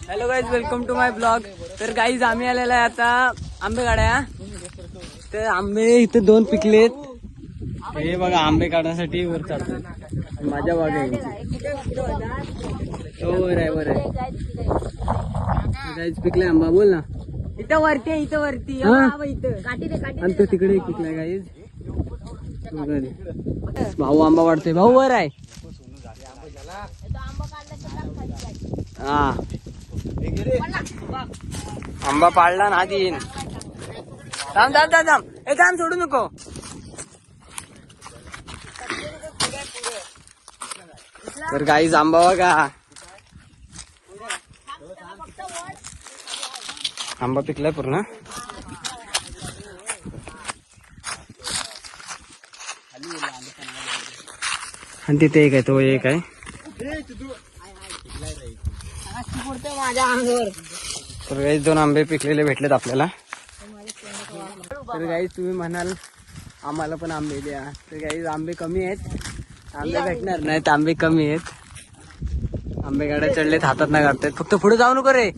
Hello guys, welcome to my blog. तर guys आम्ही आलेला आहे आता आंबे काढाया. तर आंबे इथे 2 पिकलेत. हे बघा आंबे काढण्यासाठी वर चढतात. माझ्या बाग आहे वर आहे. गाईज पिकले आंबा, बोल ना. इथं वरती आहे, इथं वरती आणि तो तिकडे एक पिकलाय गाईज. भाऊ आंबा वाढतोय, भाऊ वर आहे. हा आंबा पाडला ना आधी. थांब थांब थांब थांब, हे थांब, सोडू नको. तर गाईज आंबा बघा, आंबा पिकलाय पूर्ण. आणि तिथे एक आहे, तो एक आहे. माझ्या अंगावर. तर गाईज 2 आंबे पिकलेले भेटलेत आपल्याला. तर गाईज तुम्ही म्हणाल आम्हाला पण आंबे द्या. तर गाईज आंबे कमी आहेत, आंबे भेटणार नाहीत, आंबे कमी आहेत. आंबे गाड्या चढलेत, हातात नाही काढतायत. फक्त पुढे जाऊ नको रे.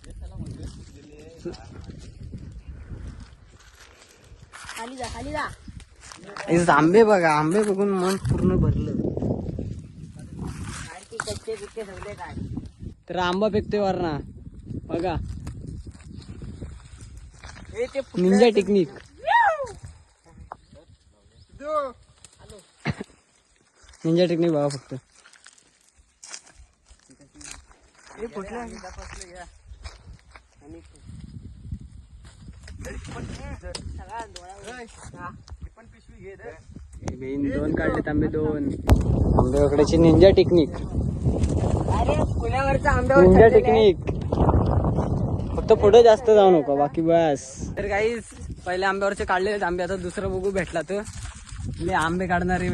खाली जा. आंबे बघा, आंबे बघून मन पूर्ण भरलं. कच्चे पिक्के सगळे काय. तर आंबा फेकतोय वरना बघा. Ninja technique. निंजा टेक्निक बघा फक्त. बेन 2 काढलेत आंबे, 2 आंबे वगैरेची निंजा टेक्निक. पुण्यावरचा निंजा टेक्निक. फक्त पुढे जास्त जाऊ नको, बाकी बस. तर काही पहिले आंब्यावरचे काढलेले आंबे, आता दुसरं बघू भेटला तर आंबे काढणारे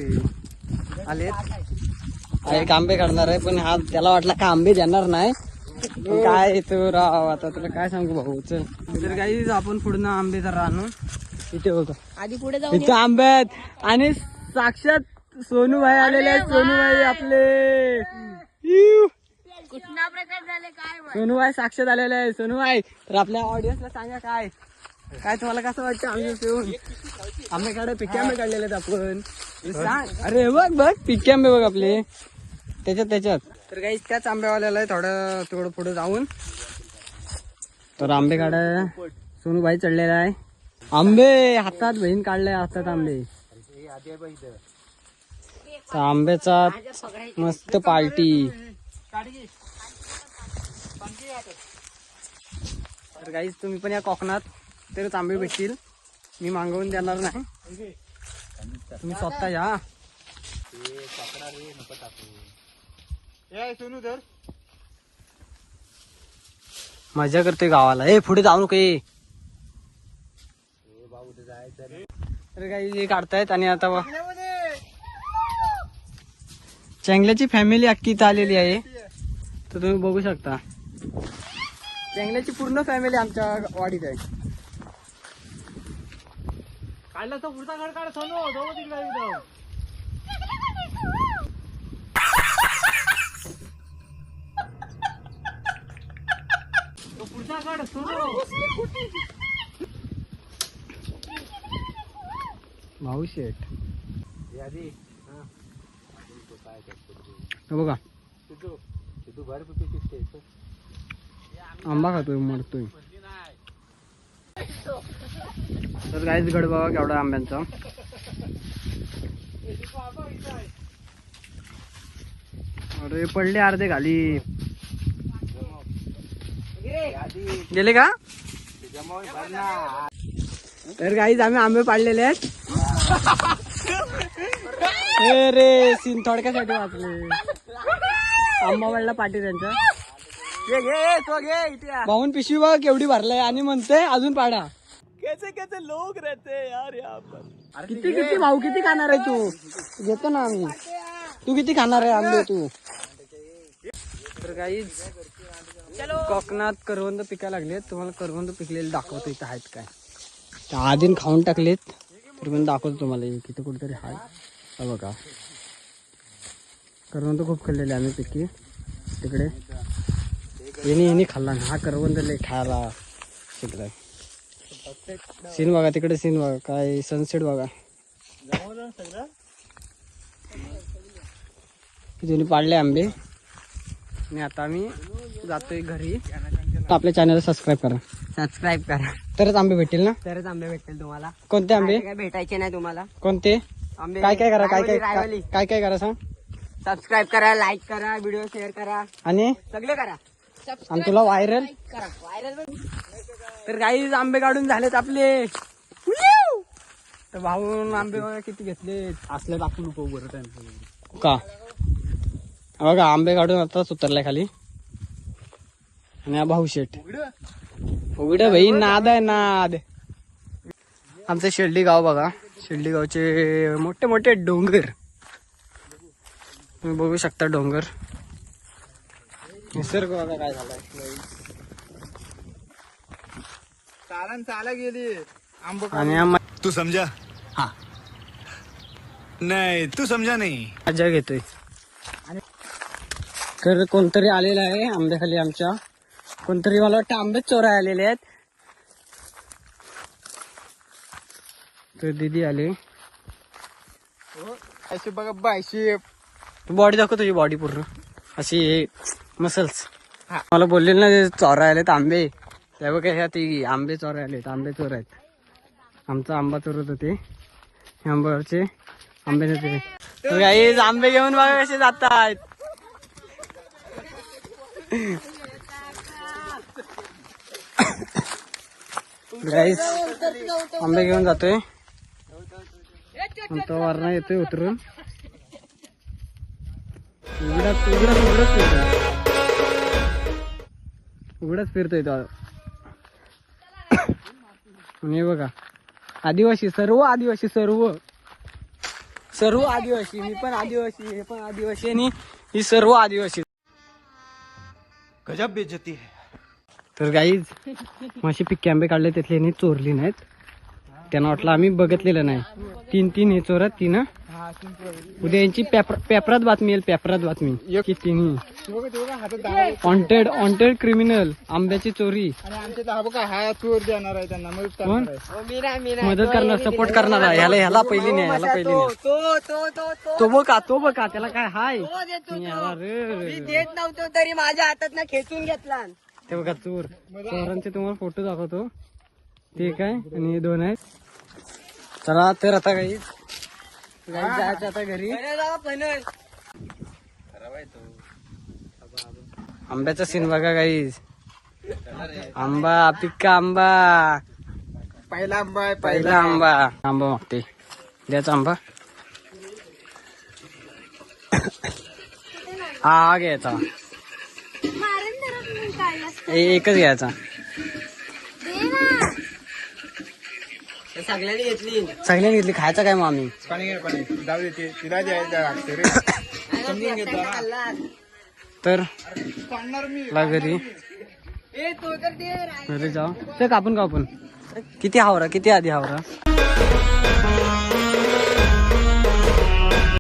आलेत. एक आंबे काढणार आहे, पण हा त्याला वाटला का आंबे देणार नाही. काय तो राव, आता तुला काय सांगू भाऊ. चल तर काही आपण पुढे आंबे जरा आणू. इथे बघा, आधी पुढे जाऊ. इथे आंबे आहेत आणि साक्षात सोनूभाई आलेले आहेत. सोनूभाई आपले कुठला प्रकार झाले काय. सोनूभाई साक्षात आलेले आहे. सोनूभाई, तर आपल्या ऑडियन्सला सांगा काय काय तुम्हाला कसं वाटतं आम्ही येऊन आंबे काढे, पिके आंबे काढलेले आहेत आपण. सांग. अरे बघ पिके आंबे बघ आपले त्याच्यात. तर काही त्याच आंब्यावाल्याला आहे, थोडं पुढे जाऊन. तर आंबे काढाय सोनूभाई चढलेला आहे. आंबे हातात, बहीण काढले हातात आंबे. तर आंब्याचा मस्त पार्टी. तर गाईज तुम्ही पण या कोकणात, तरच आंबे भेटतील. मी मागवून देणार नाही, तुम्ही स्वतः या. मजा करते गावाला. ए पुढे जाऊ नको. तर काही हे काढतायत. आणि आता चेंगल्याची फॅमिली अख्खी इथं आलेली आहे. तर तुम्ही बघू शकता, चेंगल्याची पूर्ण फॅमिली आमच्या वाडीत आहे. काढला तो पुढचा घड काढ सोनू, जाऊ तिकडे. तो पुढचा घड सोनू. भाऊ शेठ बघा, आंबा खातोय, मरतोय. तर काहीच गड बघा केवढा आंब्यांचा. अरे पडले अर्धे खाली. गेले का? तर काहीच आम्ही आंबे पाडलेले आहेत. रे सीन थोडक्यासाठी वाचले. आंबा वाढला पाठी त्यांचा. भाऊन पिशवी बघ केवढी भरलाय आणि म्हणते अजून पाडा. कैसे लोग रहते यार यहाँ पर. किती भाऊ किती खाणार आहे तू? घेतो ना आम्ही. तू किती खाणार आहे आंबे तू? तर काहीच कोकणात करवंद पिकायला लागलेत. तुम्हाला करवंद पिकलेले दाखवतो इथं आहेत काय. आधीन खाऊन टाकलेत, तर पण दाखवतो तुम्हाला. इथे कुठेतरी आहे बघा. करवंद खूप खाल्लेले आम्ही पिकी तिकडे. येणी खाल्ला ना हा करवंद लय खायला शिकलाय. सीन बघा तिकडे, सीन बघा काय सनसेट बघा. तिथे पाडले आंबे आणि आता आम्ही जातोय घरी. आपल्या चॅनल सबस्क्राईब करा तरच आंबे भेटतील ना. तरच आंबे भेटतील तुम्हाला. कोणते आंबे काय भेटायचे नाही तुम्हाला. कोणते आंबे काय काय करा, रायवली. काय काय करा सांग. सबस्क्राईब करा, लाईक करा, व्हिडिओ शेअर करा, आणि सगळे करा. तुला व्हायरल. व्हायरल तर काही आंबे काढून झालेत आपले. तर भाऊन आंबे बघा किती घेतले. असले टाकू नको बरं का. बघा आंबे काढून आताच उतरलाय खाली. आणि हा भाऊ शेट उघड भाई नाद आहे नाद. आमचं शिर्डी गाव बघा. शिर्डी गावचे मोठे मोठे डोंगर तुम्ही बघू शकता. डोंगर निसर्ग बघा काय झालाय. चाला गेली आणि तू समझा. हाँ नहीं तू समझा नहीं. मजा घेतोय. तर कोणतरी आलेलं आहे आंब्याखाली आमच्या. कोणतरी मला वाटतं आंबेच चोराय आलेले आहेत. तर दीदी आले. अशी बघा बायशी बॉडी दाखव तुझी बॉडी पूर्ण अशी मसल्स. मला बोललेलं ना ते चोरा आलेत आंबे. त्या बघा ह्या ती आंबे चोरा आलेत. आंबे चोर आहेत. आमचा आंबा चोरत होते. आंब्यावरचे आंबे नेते. गाईज आंबे घेऊन बघा कसे जात आहेत. गाईज आंबे घेऊन जातोय. तो वरना येतोय उतरून. उघडच फिरतोय तो. आणि बघा आदिवासी, सर्व आदिवासी, सर्व आदिवासी. मी पण आदिवासी, हे पण आदिवासी आणि ही सर्व आदिवासी. गजब बेइज्जती है. तर गाईज माशी पिक्के आंबे काढले त्यातले यांनी चोरली नाहीत. त्यांना वाटलं आम्ही बघितलेलं नाही. तीन हे चोरात तीन. उद्या यांची पेपरात बातमी येईल. पेपरात बातमी की तिन्ही वॉन्टेड क्रिमिनल आंब्याची चोरी. आणि आमच्या बघा हा चोर देणार आहे त्यांना मदत करणार, सपोर्ट करणार आहे. ह्याला पहिली नाही, ह्याला पहिली नाही. तो बघा त्याला काय हाय. देत नव्हतो तरी माझ्या हातात ना खेचून घेतला. ते बघा चोर. चोरांचे तुम्हाला फोटो दाखवतो. ते काय आणि हे दोन आहेत. चला तर आता काही जायचं आता घरी. आंब्याचा सीन बघा गाईज. आंबा पिक्का आंबा. पहिला आंबा आहे. पहिला आंबा मागते. द्याचा आंबा हा घ्यायचा. एकच घ्यायचा. सगळ्यांनी घेतली. खायचा काय मग आम्ही. पाणी जाऊ देते तिला द्यायचं रे. समजून घेतो तर काढणार मी घरी घरी जाऊ. ते कापून किती हावरा, किती आधी हावरा.